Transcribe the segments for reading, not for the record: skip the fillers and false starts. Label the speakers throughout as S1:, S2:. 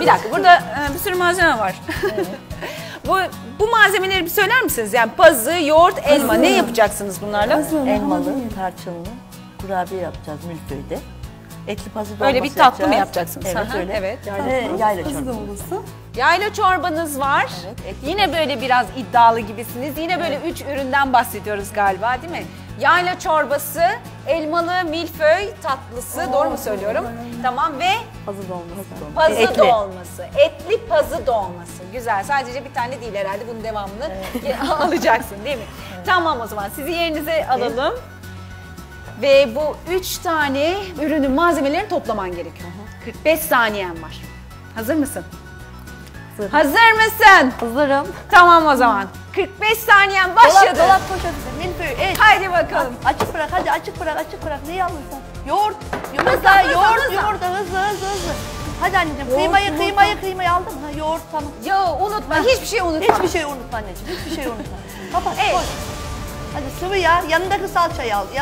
S1: Bir dakika, burada bir sürü malzeme var. Evet. bu malzemeleri bir söyler misiniz? Yani pazı, yoğurt, elma. Ne yapacaksınız bunlarla?
S2: Elmalı, tarçınlı kurabiye yapacağız milföyde. Etli pazı dolması
S1: Öyle bir tatlı mı yapacaksınız?
S2: Evet, öyle.
S1: Evet.
S2: Yayla çorbası.
S1: Yayla çorbanız var. Evet, yine böyle biraz iddialı gibisiniz. Yine böyle 3 üründen bahsediyoruz galiba, değil mi? Yayla çorbası, elmalı milföy tatlısı, doğru mu söylüyorum? Tamam ve
S2: pazı dolması.
S1: Pazı dolması, etli pazı dolması. Güzel, sadece bir tane değil herhalde, bunun devamını alacaksın değil mi? Evet. Tamam, o zaman sizi yerinize alalım. Ve bu 3 tane ürünün malzemelerini toplaman gerekiyor. 45 saniyen var. Hazır mısın? Hazır. Hazır mısın?
S2: Hazırım.
S1: Tamam o zaman. 45 saniyen başladı.
S2: Dolap poşeti, milföy, et.
S1: Haydi bakalım.
S2: Açık bırak, hadi açık bırak, açık bırak. Neyi alırsan? Yoğurt, yumurta, yumurta, hızlı. Hadi anneciğim, kıymayı aldın mı? Hiçbir şey unutma. Hiçbir şey unutma anneciğim, hiçbir şey unutma. Kapat, koy. Hadi sıvı yağ, yanındaki salçayı al,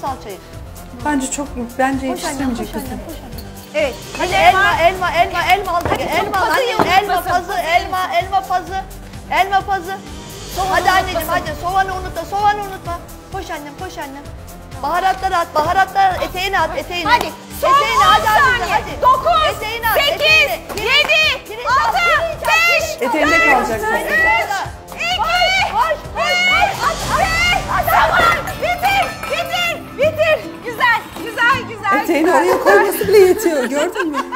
S3: Bence yetiştirmeyecek.
S1: Evet.
S2: Hadi elma al. Elma pazı. Hadi anneciğim, hadi soğanı unutma. Koş annem. Baharatları at, eteğini at.
S1: Hadi. Son 10 saniye. 9, 8, 7, 6, 5,
S3: Eteğinde kalacaksın.
S1: 3, 2, 1, tamam. Bitir. Güzel.
S3: Eteğini oraya koyması bile yetiyor, gördün mü?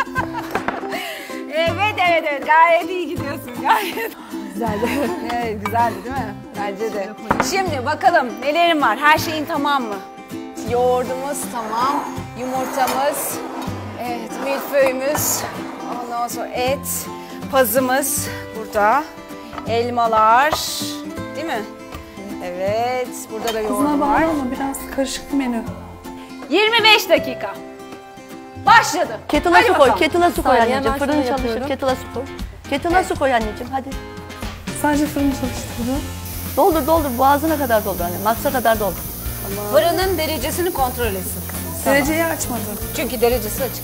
S1: Evet. Gayet iyi gidiyorsun. Gayet.
S3: Güzeldi.
S1: Evet, güzeldi değil mi? Bence de. Şimdi bakalım nelerim var? Her şeyin tamam mı? Yoğurdumuz tamam. Yumurtamız. Evet, milföyümüz. Ondan sonra et. Pazımız burada. Elmalar. Değil mi? Evet. Burada da yoğurdum var.
S3: Ama biraz karışık bir menü.
S1: 25 dakika. Başladı.
S2: Kettle'a su koy anneciğim. Fırın çalışır. Kettle'a su koy. Kettle'a su koy anneciğim, hadi.
S3: Sadece fırını çalıştırdı.
S2: Doldur. Boğazına kadar doldur anne. Maksa kadar doldur.
S1: Tamam. Fırının derecesini kontrol etsin.
S3: Dereceyi açmadım.
S1: Çünkü derecesi açık.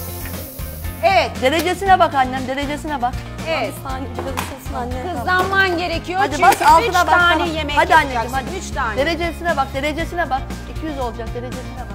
S1: Evet.
S2: Derecesine bak annem, derecesine bak.
S1: Evet.
S2: Anne.
S1: Hızlanman gerekiyor.
S2: Hadi
S1: çünkü
S2: bas altına
S1: 3
S2: bak.
S1: tane yemek
S2: hadi
S1: yapacaksın.
S2: Anneciğim, hadi.
S1: 3 tane.
S2: Derecesine bak. 200 olacak, derecesine bak.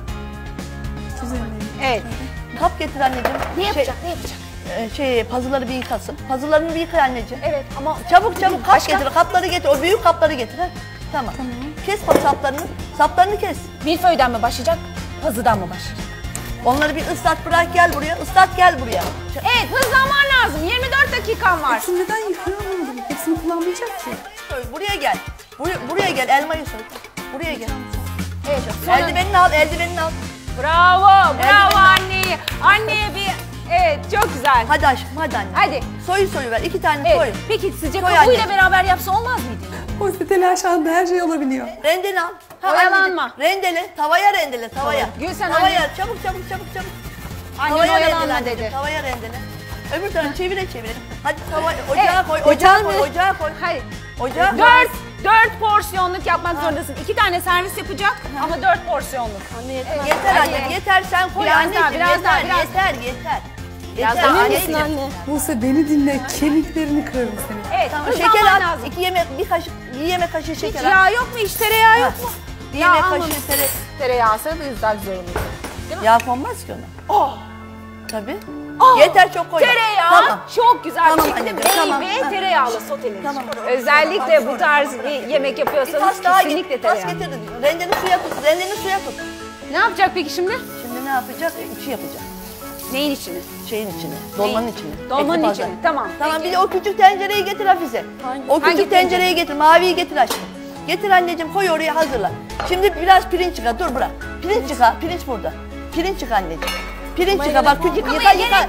S1: Evet.
S2: Kap getir anneciğim.
S1: Ne yapacak?
S2: Pazıları bir yıkasın. Pazılarını bir yıka anneciğim.
S1: Evet ama
S2: çabuk kap getir. Kapları getir. O büyük kapları getir. He? Tamam. Kes saplarını kes.
S1: milföyden mi başlayacak? Pazıdan mı başlayacak?
S2: Onları bir ıslat, bırak gel buraya.
S1: Evet, hızlanman lazım. 24 dakikan var.
S3: Hepsini neden yıkıyor anlamadım. Hepsini kullanmayacak ki.
S2: Buraya gel. Buraya gel, elmayı soy. Buraya gel.
S1: Evet.
S2: Eldivenini al.
S1: Bravo anneye. Anneye bir, evet, çok güzel.
S2: Hadi aşkım, hadi anne.
S1: Hadi.
S2: Soyu ver, 2 tane
S1: Evet.
S2: soy.
S1: Peki sizce
S2: Soy
S1: kabuğuyla
S2: anne.
S1: beraber yapsa olmaz mıydı?
S3: Oysa telaşanda her şey olabiliyor.
S2: Rendeni al.
S1: Oyalanma.
S2: Rendele, tavaya.
S1: Gülsen
S2: tavaya,
S1: anne.
S2: çabuk.
S1: Annen
S2: Tavaya
S1: oyalanma
S2: rendele,
S1: dedi.
S2: Tavaya rendele. Öbür tarafı çevire. Hadi ocağa koy.
S1: Hayır.
S2: Ocağa koy.
S1: 4 porsiyonluk yapmak zorundasın. 2 tane servis yapacak ama 4 porsiyonluk.
S2: Anne yeter anne, yeter sen koy
S1: Biraz
S2: anneciğim.
S1: daha,
S2: Yeter.
S1: Biraz daha
S2: anneciğim.
S3: Buse beni dinle, kemiklerini kırarım seni.
S1: Evet,
S2: Tamam,
S1: hızlanman
S2: şeker at.
S1: lazım.
S2: 1 yemek kaşığı
S1: Hiç
S2: şeker at.
S1: yağ yok mu? Hiç tereyağı yok mu?
S2: 1 yemek kaşığı
S1: Tereyağı olsa biz daha güzel olur.
S2: Yağ konmaz ki ona.
S1: Oh!
S2: Tabii. Yeter, çok koy.
S1: Tereyağı
S2: Tamam.
S1: çok güzel
S2: Tamam
S1: bir şekilde
S2: anneciğim, tamam.
S1: ve tereyağlı sotelenir.
S2: Tamam.
S1: Özellikle bu tarz bir yemek
S2: Bir
S1: yapıyorsanız
S2: tas daha
S1: kesinlikle
S2: tas
S1: tereyağı.
S2: getir. Rendeni suya tut.
S1: Ne yapacak peki şimdi?
S2: Şimdi ne yapacak? İçi yapacak.
S1: Neyin içini?
S2: Şeyin içine, dolmanın içine.
S1: Dolmanın
S2: Etli
S1: içini.
S2: pazar.
S1: Tamam.
S2: Tamam,
S1: Peki.
S2: bir de o küçük tencereyi getir Hafize. O
S1: Hangi
S2: küçük tencereyi getir, maviyi getir aşkım. Getir anneciğim, koy oraya, hazırla. Şimdi biraz pirinç yıka, dur bırak. Pirinç yıka, pirinç burada. Pirinç yıka anneciğim. Pirinç yıka, bak küçük, yıka.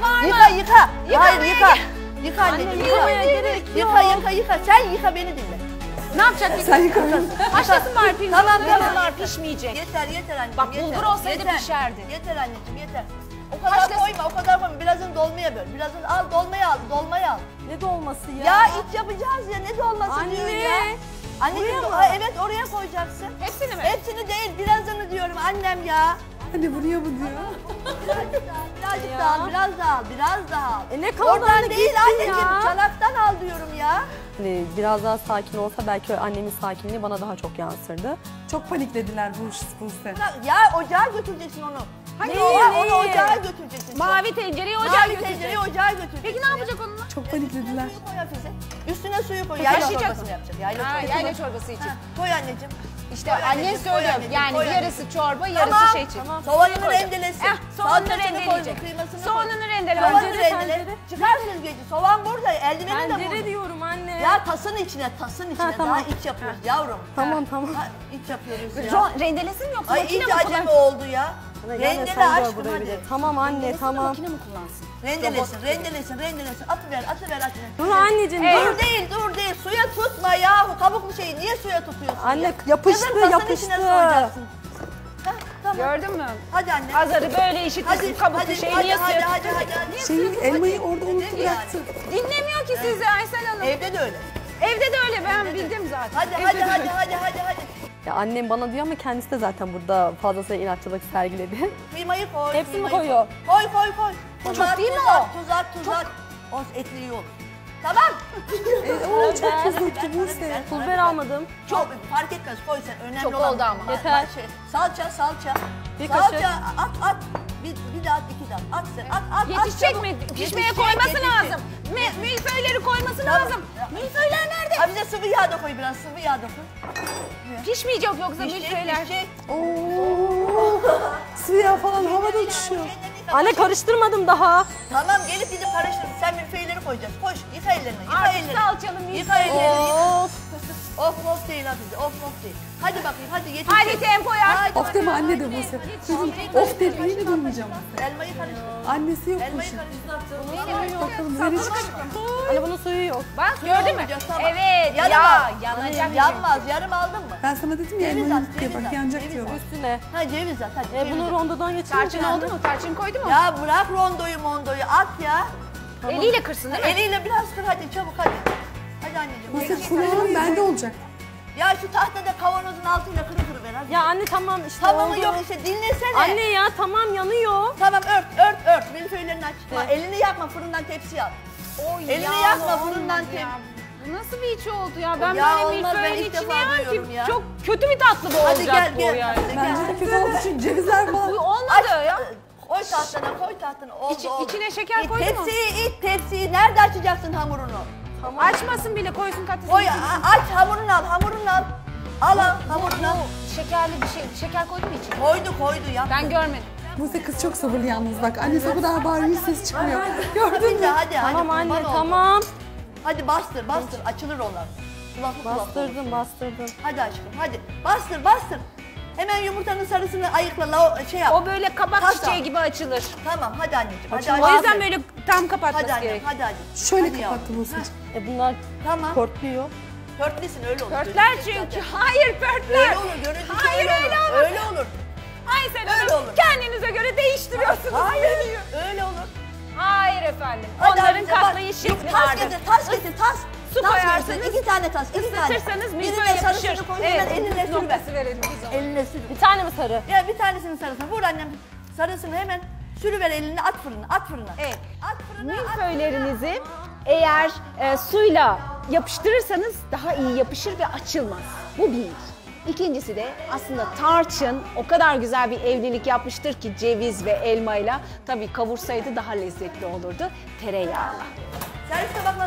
S2: Hayır, yıka. Yıka anneciğim, yıka. Sen yıka, beni dinle.
S1: Ne yapacak peki?
S3: Sen yıkamadın.
S1: Haşlasın bari pirinç.
S2: Tamam.
S1: Bunlar pişmeyecek.
S2: Yeter anneciğim.
S1: Bak, bulgur olsaydı
S2: yeter.
S1: pişerdi.
S2: Yeter anneciğim, yeter. O kadar koyma. Birazını dolmaya böl. Birazını al, dolmaya al.
S3: Ne dolması ya?
S2: Ya iç yapacağız ya, ne dolması diyor ya. Anneciğim, evet oraya koyacaksın.
S1: Hepsini mi?
S2: Hepsini değil, birazını diyorum annem ya.
S3: Anne buraya bu diyor.
S2: Birazcık daha al, biraz daha al, biraz daha al.
S4: Ne kaldı
S2: Oradan
S4: anne,
S2: değil
S4: gitsin
S2: anneciğim,
S4: ya.
S2: çanaktan al diyorum ya.
S4: Hani biraz daha sakin olsa belki annemin sakinliği bana daha çok yansırdı.
S3: Çok paniklediler Buse.
S2: Ya ocağa götüreceksin onu. Hani
S4: Neyi,
S2: onu
S4: neyi?
S2: ocağa götüreceksin.
S1: Mavi tencereyi ocağa
S2: Mavi
S1: götürecek.
S2: tencereyi ocağa götüreceksin.
S1: Peki ne yapacak onunla?
S3: Çok paniklediler.
S2: Koy Hafize. Üstüne suyu koy. Yayla
S1: Taşıyacak
S2: çorbası
S1: mı?
S2: mı yapacak? Yayla
S1: Ha,
S2: çorbası.
S1: yayla çorbası için.
S2: Ha, koy anneciğim.
S1: İşte
S2: Koy
S1: annen
S2: anneciğim, koy
S1: söylüyor
S2: anneciğim,
S1: yani
S2: koy
S1: yarısı
S2: anneciğim.
S1: çorba yarısı
S2: Tamam,
S1: şey için.
S4: tamam.
S2: Soğanını
S1: Koyacak.
S2: rendelesin.
S1: Soğanını
S2: Salçasını
S1: rendeleyecek.
S2: koy, kıymasını
S1: Soğanını
S2: koy.
S1: rendele.
S2: Soğanı
S4: Tencere,
S2: rendele.
S4: tencere.
S2: Çıkar süzgeci. Soğan burada. Eldiveni de
S4: Tencere
S2: burada.
S4: diyorum anne.
S2: Ya tasın içine, tasın içine.
S4: tamam.
S2: Daha iç yapıyoruz yavrum.
S4: Tamam tamam.
S2: Ha, iç yapıyoruz ya.
S1: Rendelesin mi yoksa
S2: Ay
S1: makine
S2: iyice
S1: mi
S2: acemi
S1: kullansın?
S2: oldu ya.
S4: Gelme
S2: Rendele
S4: sen gör
S2: aşkım
S4: buraya bir de.
S2: hadi.
S4: Tamam anne
S1: Rendelesin mi,
S4: tamam.
S1: makine mi kullansın?
S2: Rendelesin, rendelesin. Atıver.
S4: Dur anneciğim
S2: Dur değil. Suya tutma yahu. Kabuklu şeyi niye suya tutuyorsun?
S4: Anne
S2: ya?
S4: yapıştı,
S2: Kızım, tasın
S4: yapıştı.
S2: içine soyacaksın. Hah, tamam.
S1: Gördün mü?
S2: Hadi anne.
S1: Azarı böyle işitmişsin kabuklu şeyi niye suya
S2: hadi.
S3: Şeyi elmayı orada
S2: Hadi.
S3: unuttu bıraktı.
S1: Dinlemiyor ki sizi Aysel Hanım.
S2: Evde de öyle.
S1: Evde de öyle ben bildim zaten.
S2: Hadi
S1: Evde de öyle.
S2: hadi.
S4: Ya annem bana diyor ama kendisi de zaten burada fazlasıyla inatçılık sergiledi.
S2: Kıymayı koy.
S4: Hepsini
S2: kıymayı
S4: koyuyor.
S2: Koy.
S1: Çok değil mi
S2: Tuz at. O etli yok. Tamam.
S3: Oo çok tuzluktu Buse.
S4: Pul biber almadım.
S2: Çok fark etmez koy sen. Önemli
S1: Çok
S2: olan.
S1: oldu ama.
S4: Yeter.
S2: Salça.
S4: Bir kaşık.
S2: Salça at. Bir daha at, iki daha. At sen. At.
S1: Yetişecek
S2: çabuk.
S1: mi? Pişmeye
S2: Yetişecek,
S1: koyması
S2: yetişecek.
S1: lazım. Milföyleri koyması
S2: Tamam.
S1: lazım. Milföyler nerede?
S2: Ha bize sıvı yağ da koy biraz. Sıvı yağ da koy.
S1: Pişmeyecek yoksa milföyler.
S3: Oo. Suya falan havada uçuşuyor.
S4: Anne karıştırmadım daha.
S2: Tamam gelip gidip karıştır. Sen milföyleri koyacaksın. Koş. Yıka ellerini. Yıka
S1: Artık
S2: ellerini.
S1: salçalı
S2: Yıka
S1: milföy.
S2: ellerini.
S4: Of.
S2: Of değil Hafize. Of değil. Hadi bakayım hadi yetişecek.
S1: Hadi tempoya.
S2: Hadi.
S3: Of deme anne de Buse. Dedim of dedi yine durmayacağım.
S2: Elmayı karıştır.
S3: Annesi yokmuş.
S2: Elmayı karıştır.
S3: Bakalım nereye çıkacak.
S4: Anne bunun suyu yok.
S1: Bak gördün mü?
S2: olacak, tamam.
S1: Evet
S2: Yanamaz.
S1: ya yanacak.
S2: Yanmaz. Yarım aldın mı?
S3: Ben sana dedim ya
S2: Ceviz
S3: elmayı
S2: at,
S3: diye
S2: ceviz
S3: bak
S2: at,
S3: yanacak
S2: ceviz
S3: diyorlar.
S4: Üstüne.
S2: Ha ceviz at hadi. ceviz
S4: Bunu
S2: at.
S4: rondodan geçirince.
S1: Tarçın oldu mu? Tarçın koydu mu?
S2: Ya bırak rondoyu at ya.
S1: Eliyle kırsın değil mi?
S2: Eliyle biraz kır hadi çabuk hadi. Hadi anneciğim.
S3: Buse kulağım bende olacak.
S2: Ya şu tahtada kavanozun altıyla kırı ver hadi.
S4: Ya anne tamam işte
S2: Tamamı
S4: oldu.
S2: yok işte dinlesene.
S4: Anne ya tamam yanıyor.
S2: Tamam ört. Milföylerini aç. Ha, elini yakma fırından tepsi al.
S1: Oy,
S2: Elini
S1: yağlı
S2: yakma,
S1: olmadı
S2: fırından
S1: ya. Bu nasıl bir içi oldu ya? Ben
S2: Ya
S1: böyle
S2: olmaz, ben
S1: milföyün
S2: ilk
S1: içine
S2: defa
S1: yer
S2: duyuyorum
S1: ki
S2: ya.
S1: çok kötü bir tatlı bu
S2: Hadi
S1: olacak bu
S2: gel.
S1: yani.
S2: Hadi
S3: Bence
S2: gel.
S3: de kötü olduğu için cevizler
S1: Bu
S3: falan.
S1: olmadı ya.
S2: Koy tahtana. Oldu, oldu.
S1: İçine şeker koydun mu?
S2: Tepsiyi nerede açacaksın hamurunu?
S1: Açmasın bile koysun katlısını.
S2: Koy aç hamurunu al. Al hamurunu al.
S1: Şekerli bir şey. Şeker koydu mu içine?
S2: Koydu ya.
S1: Ben görmedim.
S3: Buse kız çok sabırlı yalnız bak. Annesi o kadar bağırıyor ses çıkmıyor. Gördün mü?
S2: Hadi
S4: Tamam
S2: kurban
S4: anne
S2: oldum.
S4: tamam.
S2: Hadi bastır açılır onlar. Kulaklı.
S4: Bastırdım.
S2: Hadi aşkım hadi bastır. Hemen yumurtanın sarısını ayıkla şey yap.
S1: O böyle kabak
S2: Kasa.
S1: çiçeği gibi açılır.
S2: Tamam hadi anneciğim. Hadi
S1: O
S2: anneciğim.
S1: yüzden böyle tam kapatması
S2: Hadi annem
S1: gerek.
S2: hadi.
S3: Şöyle
S2: Hadi yavrum.
S3: kapattı Buse'ciğim.
S4: Bunlar
S2: Tamam.
S4: korkluyor.
S2: Pörtlesin öyle olur.
S1: Pörtler
S2: Görüntüsü
S1: çünkü.
S2: zaten.
S1: Hayır pörtler.
S2: Öyle olur görüntüsü
S1: Hayır öyle
S2: olur.
S1: olur.
S2: Öyle olur.
S1: Aysel
S2: Öyle
S1: Hanım
S2: olur.
S1: kendinize göre değiştiriyorsunuz
S2: Hayır
S1: menüyü.
S2: öyle olur.
S1: Hayır efendim.
S2: Hadi
S1: Onların
S2: Hafize, bak.
S1: katlayış şekli
S2: Tas
S1: vardır.
S2: getir tas.
S1: Su
S2: Tas
S1: koyarsınız,
S2: versin, 2 tane tas. 2 tane.
S1: Isıtırsanız milföy
S2: Birine
S1: yapışır.
S2: sarısını koy hemen eline sür ver.
S1: noktası verelim biz ona.
S2: Eline sür.
S4: Bir tane mi sarı?
S2: Ya bir tanesinin sarısını vur annem. Sarısını hemen sürüver elini at fırına.
S1: Evet.
S2: At fırına.
S1: Milföylerinizi eğer suyla yapıştırırsanız daha iyi yapışır ve açılmaz. Bu bir. İkincisi de aslında tarçın o kadar güzel bir evlilik yapmıştır ki ceviz ve elmayla. Tabii kavursaydı daha lezzetli olurdu. Tereyağla.
S2: Servis tabakları